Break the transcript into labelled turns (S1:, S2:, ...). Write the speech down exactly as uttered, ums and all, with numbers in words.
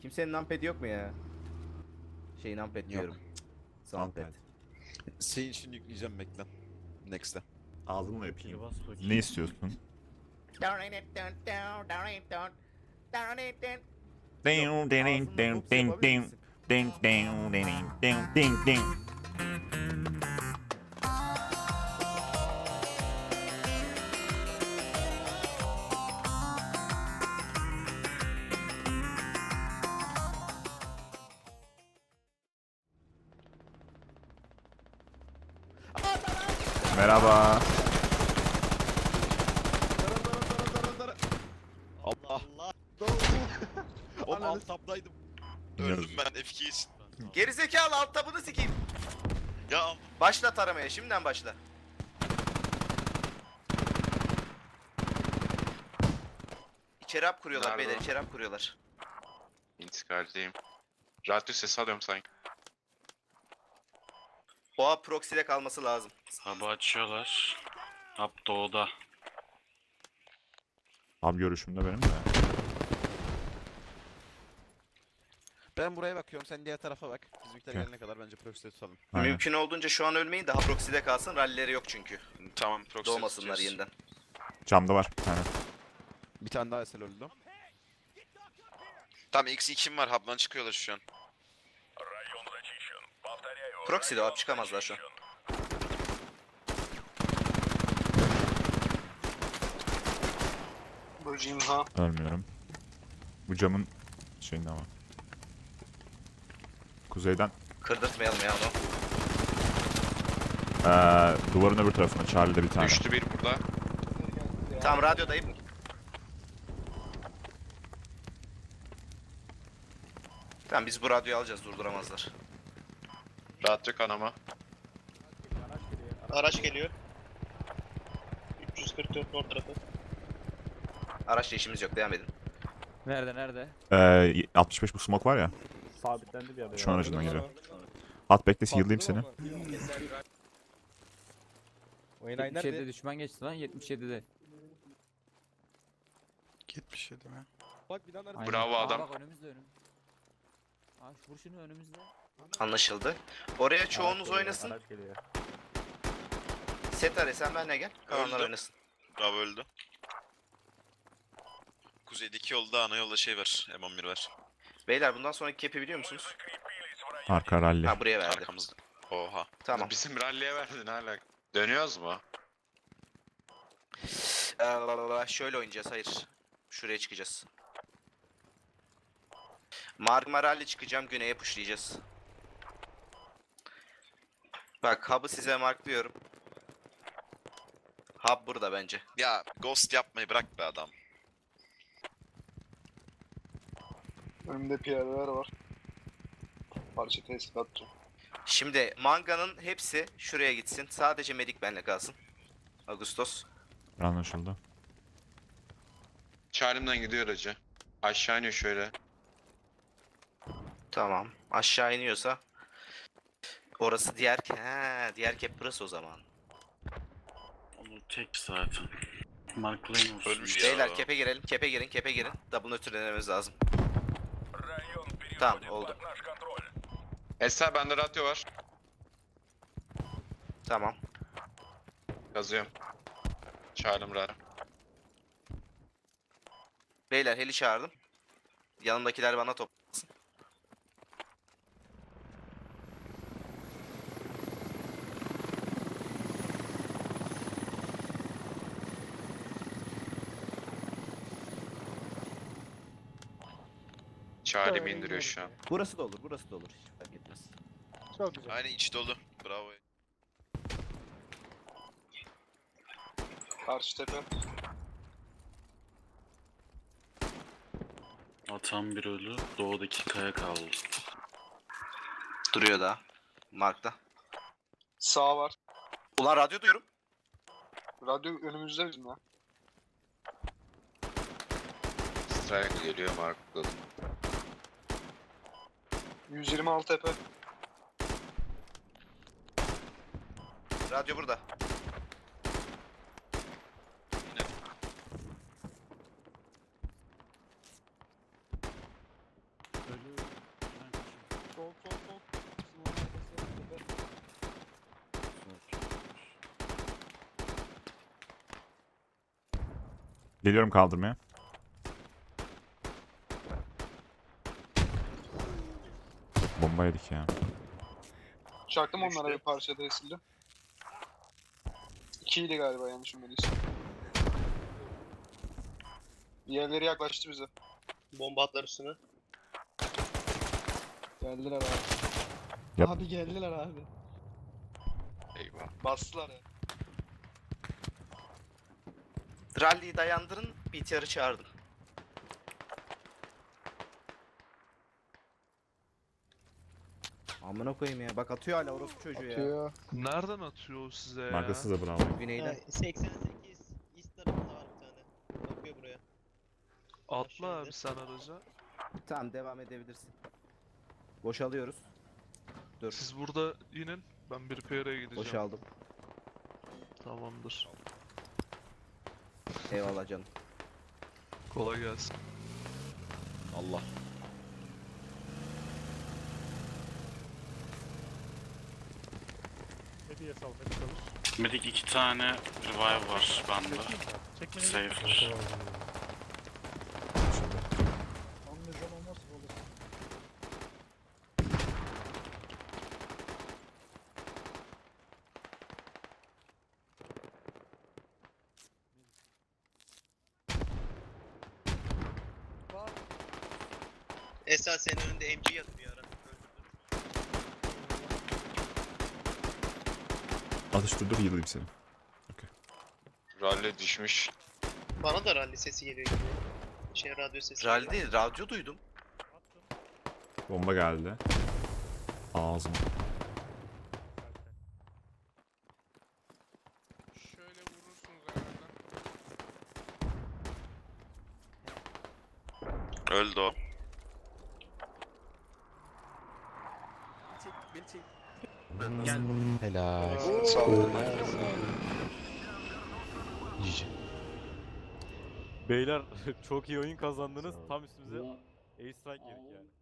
S1: Kimsenin numpad yok mu ya? Şey numpad diyorum. Soundpad.
S2: Senin için yükleyeceğim bekle. Next'te.
S3: Ağzımla öpeyim. Ne istiyorsun? Ding ding ding ding ding ding ding ding ding ding ding. Merhaba.
S2: Allah. Oğlum alt tabdaydım.
S4: Öldüm ben F iki için.
S1: Gerizekalı alt tabını sikeyim.
S4: Ya
S1: Başla taramaya, şimdiden başla. İçeri hap kuruyorlar
S4: Nerede
S1: beyler,
S4: o?
S1: içeri hap kuruyorlar.
S4: intikaldeyim. Radyo sesi alıyorum sanki.
S1: O hap proxy'de kalması lazım.
S5: Hub'ı açıyorlar. Hub doğuda.
S3: Abi görüşümde benim de.
S2: Ben buraya bakıyorum, sen diğer tarafa bak. Bizimkiler
S3: Okey.
S2: gelene kadar bence proxy'de tutalım.
S3: Aynen.
S1: Mümkün olduğunca şu an ölmeyin, daha proxy'de kalsın, rallileri yok çünkü.
S4: Tamam proxy
S1: Doğmasınlar
S4: tutacağız.
S1: yeniden.
S3: Camda var. Aynen.
S2: Bir tane daha esel öldü.
S4: Tamam X iki'm var, hub'dan çıkıyorlar şu an.
S1: Proxy'de o hap çıkamazlar şu an.
S3: Ölmüyorum. Bu camın şeyinde ama. Kuzeyden
S1: Kırdırtmayalım ya onu.
S3: eee duvarın öbür tarafında Charlie'de bir tane.
S4: Düştü bir burada.
S1: Tamam radyodayım. Tamam biz bu radyoyu alacağız, durduramazlar.
S4: Radyo kanama.
S6: Araç geliyor. üç yüz kırk dört nord tarafı.
S1: Araçla işimiz yok, devam edin.
S7: Nerede nerede?
S3: Eee altmış beş bu smoke var ya.
S8: Sabitlendi bir yerde.
S3: Şu an aracından geliyor. At bekle heal'layım seni.
S2: Oynay
S7: yetmiş yedide
S2: nerede?
S7: düşman geçti lan yetmiş yedide.
S5: yetmiş yedi mi?
S2: Bak binanın arkasında.
S7: Aynen.
S4: Bravo
S7: Aa,
S4: adam.
S7: Bak önümüzde önüm. Aa şu vur şunu önümüzde.
S1: Anlaşıldı. Oraya çoğunuz oynasın.
S8: Araç geliyor.
S1: Setare sen benimle gel. Kalanlar
S4: Öldü.
S1: oynasın.
S4: Bravo öldü. Kuzeydeki yolda ana yolda şey var. M on bir var.
S1: Beyler bundan sonraki cap'i biliyor musunuz?
S3: Arka rally.
S1: Ha buraya verdi.
S4: Arkamızda. Oha.
S1: Tamam.
S4: Bizim rally'e verdin hala. Dönüyoruz mu?
S1: Ee, şöyle oynayacağız, hayır. Şuraya çıkacağız. Marmaral'le çıkacağım, güneye pushlayacağız. Bak hub'ı size marklıyorum. Hub burada bence.
S4: Ya ghost yapmayı bırak be adam.
S6: Önümde piyadeler var. Parça tespit atacağım.
S1: Şimdi manganın hepsi şuraya gitsin. Sadece medik benle kalsın. Ağustos.
S3: Anlaşıldı.
S4: Çağrımdan gidiyor aracı. Aşağı iniyor şöyle.
S1: Tamam. Aşağı iniyorsa. Orası diğer... He, diğer cap burası o zaman.
S5: Onu tek zaten. Marklayın olsun.
S4: Ölmüş ya.
S1: Beyler kepe girelim, kepe girin, kepe girin. Double nötrlememiz lazım. Tamam oldu.
S4: Esra bende radyo var.
S1: Tamam.
S4: Yazıyorum. Çağrım radyo.
S1: Beyler heli çağırdım. Yanımdakiler bana toplasın.
S4: Çağrım indiriyor şu an.
S2: Burası da olur, burası da olur. Hiç fark etmez.
S6: Çok güzel.
S4: Aynen iç dolu. Bravo.
S6: Karşı tepe.
S5: Atan bir ölü. Doğudaki kaya kaldı.
S1: Duruyor daha. Mark'ta.
S6: Sağ var.
S1: Ulan radyo diyorum.
S6: Radyo önümüzde bizim ya.
S4: Strike geliyor markladım.
S6: yüz yirmi altı tepe.
S1: Radyo burada.
S3: Geliyorum kaldırmaya. Bomba yedik ya.
S8: Çaktım onlara bir parça da esildi. İkiydi galiba yanlış bilmediysem. Diğerleri yaklaştı bize.
S6: Bomba atlar üstüne.
S8: Geldiler abi.
S3: Yap.
S8: Abi geldiler abi.
S4: Eyvah.
S8: Bastılar ya.
S1: Rally'yi dayandırın. B T R'ı çağırdım.
S2: Amına koyayım ya. Bak atıyor hala orospu çocuğu ya.
S8: Atıyor.
S9: Nereden atıyor o size ya?
S3: Markasız da bravo.
S2: Güneyden.
S6: seksen sekiz east tarafında var bir tane. Bakıyor buraya.
S9: Atla abi sen araca.
S2: Tamam devam edebilirsin. Boşalıyoruz. Dur.
S9: Siz burada inin. Ben bir P R'ye gideceğim.
S2: Boşaldım.
S9: Tamamdır.
S2: Eyvallah canım.
S9: Kolay gelsin.
S2: Allah.
S6: Hediye sal, hediye çalış.
S5: Medik iki tane revive var bende. Safer.
S6: Anlayacağım olmaz olur. Esas senin önünde M G yatıyor bir ara.
S3: Atıştırdır yılayım seni.
S4: Rally düşmüş.
S6: Bana da rally sesi geliyor gibi. Şey radyo sesi.
S1: Rally değil, radyo duydum.
S3: Bomba geldi. Ağzım.
S8: Şöyle vurursunuz herhalde.
S4: Öldü o.
S2: Helal.
S8: Sağ olun.
S10: Beyler çok iyi oyun kazandınız. Tam üstümüze air strike yedik yani.